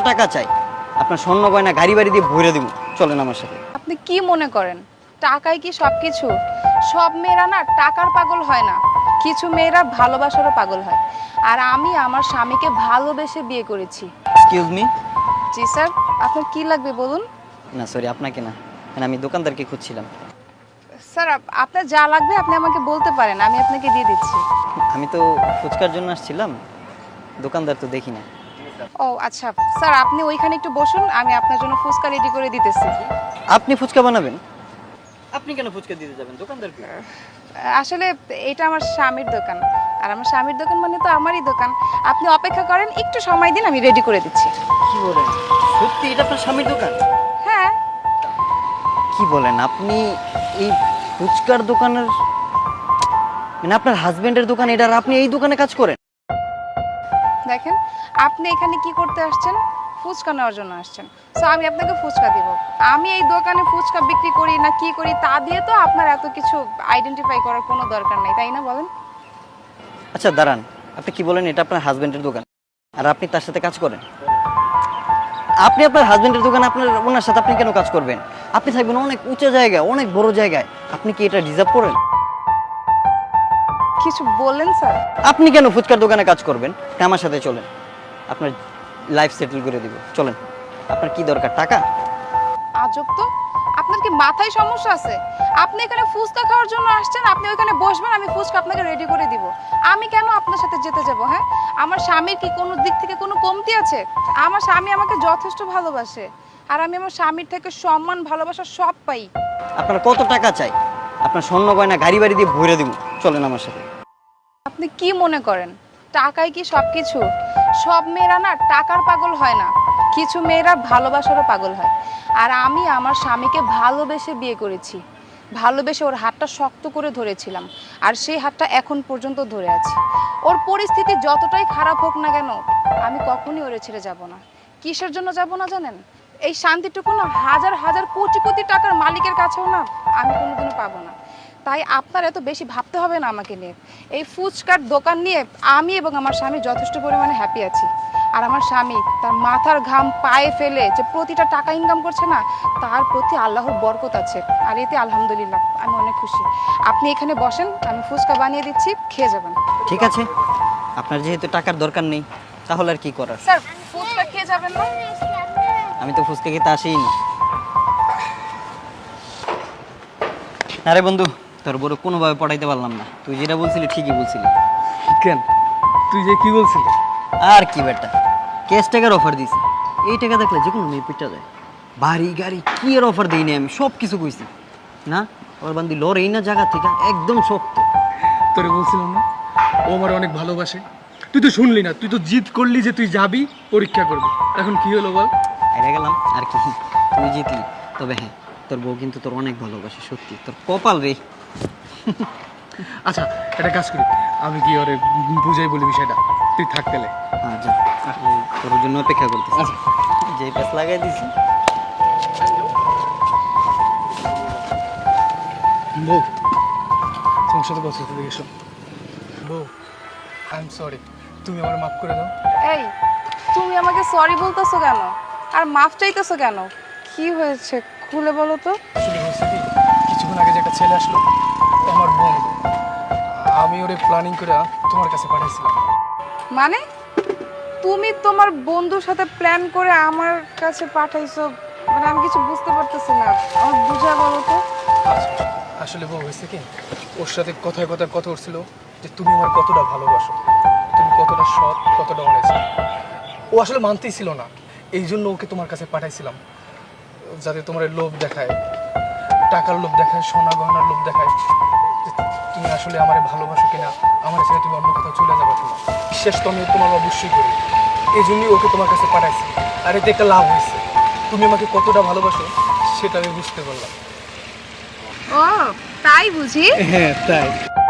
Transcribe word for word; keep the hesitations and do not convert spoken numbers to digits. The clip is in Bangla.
টাকা চাই? আপনার স্বর্ণ গয়না গাড়ি বাড়ি দিয়ে ভরে দেবো, চলেন আমার সাথে। আপনি কি মনে করেন টাকাই কি সবকিছু? সব মেয়েরা না টাকার পাগল হয় না, কিছু মেয়েরা ভালোবাসারও পাগল হয়। আর আমি আমার স্বামীকে ভালোবেসে বিয়ে করেছি। Excuse me. জি স্যার, আপনার কি লাগবে বলুন। না সরি, আপনাকে না, মানে আমি দোকানদারকে খুঁজছিলাম। স্যার আপনার যা লাগবে আপনি আমাকে বলতে পারেন, আমি আপনাকে দিয়ে দিচ্ছি। আমি তো ফুচকার জন্য আসছিলাম, দোকানদার তো দেখি না। ও আচ্ছা স্যার, আপনি ওইখানে একটু বসুন, আমি আপনার জন্য ফুচকা রেডি করে দিতেছি। আপনি ফুচকা বানাবেন? আপনি কেন ফুচকা দিতে যাবেন দোকানদারকে? আসলে এটা আমার স্বামীর দোকান, আর আমার স্বামীর দোকান মানে তো আমারই দোকান। আপনি অপেক্ষা করেন, একটু সময় দিন, আমি রেডি করে দিচ্ছি। কি বলেন, সত্যি এটা আপনার স্বামীর দোকান? হ্যাঁ। কি বলেন আপনি, এই ফুচকার দোকানের মানে আপনার হাজবেন্ডের দোকান এটা, আর আপনি এই দোকানে কাজ করেন? দেখেন, আপনি এখানে কি করতে আসছেন? ফুচকা নেওয়ার জন্য আসছেন। সো আমি আপনাকে ফুচকা দিব। আমি এই দোকানে ফুচকা বিক্রি করি না কি করি তা দিয়ে তো আপনার এত কিছু আইডেন্টিফাই করার কোনো দরকার নেই, তাই না বলেন? আচ্ছা দাঁড়ান, আপনি কি বলেন এটা আপনার হাজবেন্ডের দোকান, আর আপনি তার সাথে কাজ করেন? আপনি আপনার হাজবেন্ডের দোকানে আপনার ওনার সাথে আপনি কেন কাজ করবেন? আপনি থাকবেন অনেক উঁচু জায়গায়, অনেক বড় জায়গায়। আপনি কি এটা ডিজার্ভ করেন? কিছু বললেন স্যার? আপনি কেন ফুচকার দোকানে কাজ করবেন? আমার সাথে চলেন, আপনার লাইফ সেটেল করে দিব, চলেন। আপনার কি দরকার, টাকা? আজব তো, আপনার কি মাথায় সমস্যা আছে? আপনি এখানে ফুচকা খাওয়ার জন্য আসছেন, আপনি ওইখানে বসবেন, আমি ফুচকা আপনাকে রেডি করে দিব। আমি কেন আপনার সাথে যেতে যাব? হ্যাঁ, আমার স্বামীর কি কোনো দিক থেকে কোনো কমতি আছে? আমার স্বামী আমাকে যথেষ্ট ভালোবাসে, আর আমি আমার স্বামীর থেকে সম্মান ভালোবাসা সব পাই। আপনার কত টাকা চাই? আপনার স্বর্ণ গয়না গাড়ি বাড়ি দিয়ে ভরে দেবো, চলেন আমার সাথে। আপনি কি মনে করেন টাকাই কি সবকিছু? সব মেয়েরা না টাকার পাগল হয় না, কিছু মেয়েরা ভালোবাসারও পাগল হয়। আর আমি আমার স্বামীকে ভালোবেসে বিয়ে করেছি, ভালোবেসে ওর হাতটা শক্ত করে ধরেছিলাম, আর সেই হাতটা এখন পর্যন্ত ধরে আছি। ওর পরিস্থিতি যতটাই খারাপ হোক না কেন, আমি কখনই ওরে ছেড়ে যাব না। কিসের জন্য যাব না জানেন? এই শান্তিটুকু না হাজার হাজার কোটি কোটি টাকার মালিকের কাছেও না আমি কোনোদিনও পাবো না। তাই আপনার এত বেশি ভাবতে হবে না আমাকে নিয়ে। এই ফুচকার দোকান নিয়ে আমি এবং আমার স্বামী যথেষ্ট পরিমাণে হ্যাপি আছি। আর আমার স্বামী তার মাথার ঘাম পায়ে ফেলে যে প্রতিটা টাকা ইনকাম করছে না, তার প্রতি আল্লাহর বরকত আছে, আর এতে আলহামদুলিল্লাহ আমি অনেক খুশি। আপনি এখানে বসেন, আমি ফুচকা বানিয়ে দিচ্ছি, খেয়ে যাবেন। ঠিক আছে, আপনার যেহেতু টাকার দরকার নেই, তাহলে আর কি করার। স্যার ফুচকা খেয়ে যাবেন না? আমি তো ফুচকা খেতে আসিনি। আরে বন্ধু, তোর বড় কোনোভাবে পড়াইতে পারলাম না। তুই যেটা বলছিলি ঠিকই বলছিলি। কেন, তুই যে কি বলছিলি? আর কি বেটা, ক্যাশ টাকার অফার দিছি। এই টাকা দেখলে যে কোনো মেয়ে পিটা যায়। বাড়ি গাড়ি কি এর অফার দিইনি, আমি সব কিছু কইছি না। ওর বান্দি লর এই না জায়গা থেকে একদম শক্ত। তোরে বলছিলাম না ও আমার অনেক ভালোবাসে? তুই তো শুনলি না, তুই তো জিদ করলি যে তুই যাবি পরীক্ষা করবি। এখন কি হলো বল? হেরে গেলাম আর কি, তুই জিতলি। তবে হ্যাঁ, তোর বউ কিন্তু তোর অনেক ভালোবাসে, সত্যি তোর কপাল রে। আচ্ছা একটা কাজ করি, আমি কি ওরে বুঝাই বলি বিষয়টা, তুই থাক গেলে। হ্যাঁ যা, এই তোর জন্য অপেক্ষা করতেছি। আচ্ছা যে প্যাস লাগাই দিছি। বউ, তোমার সাথে কথা বলতে এসো। বউ, আই এম সরি, তুমি আমার মাফ করে দাও। এই তুমি আমাকে সরি বলতেছো কেন, আর মাফ চাইতেছো কেন? কি হয়েছে খুলে বলো তো। আসলে হয়েছে কি, কিছুক্ষণ আগে যে একটা ছেলে আসলো, ও আমার বোন। আমি ওরে প্ল্যানিং করে তোমার কাছে পাঠাইছিলাম। মানে তুমি তোমার বন্ধুর সাথে প্ল্যান করে আমার কাছে পাঠাইছো? মানে আমি কিছু বুঝতে পারতেছি না, আমার বুঝা বলো তো। আচ্ছা, আসলে বউ হয়েছে কি, ওর সাথে কথায় কথায় কথা উঠছিল যে তুমি আমার কতটা ভালোবাসো, তুমি কতটা সৎ, কতটা অনেস্ট। ও আসলে মানতেই ছিল না, এই জন্য ওকে তোমার কাছে পাঠাইছিলাম, যাতে তোমার লোভ দেখায়, টাকার লোভ দেখায়, সোনা গহনার লোভ দেখায়, যে তুমি আসলে আমারে ভালোবাসো কিনা, আমার ছেড়ে তুমি অন্য কোথাও চলে যাবে কিনা। বিশ্বাস তো আমি তোমার অবশ্যই করি, এই জন্যই ওকে তোমার কাছে পাঠাইছি। আর এতে একটা লাভ হয়েছে, তুমি আমাকে কতটা ভালোবাসো সেটা আমি বুঝতে পারলাম। ও তাই বুঝি? হ্যাঁ তাই।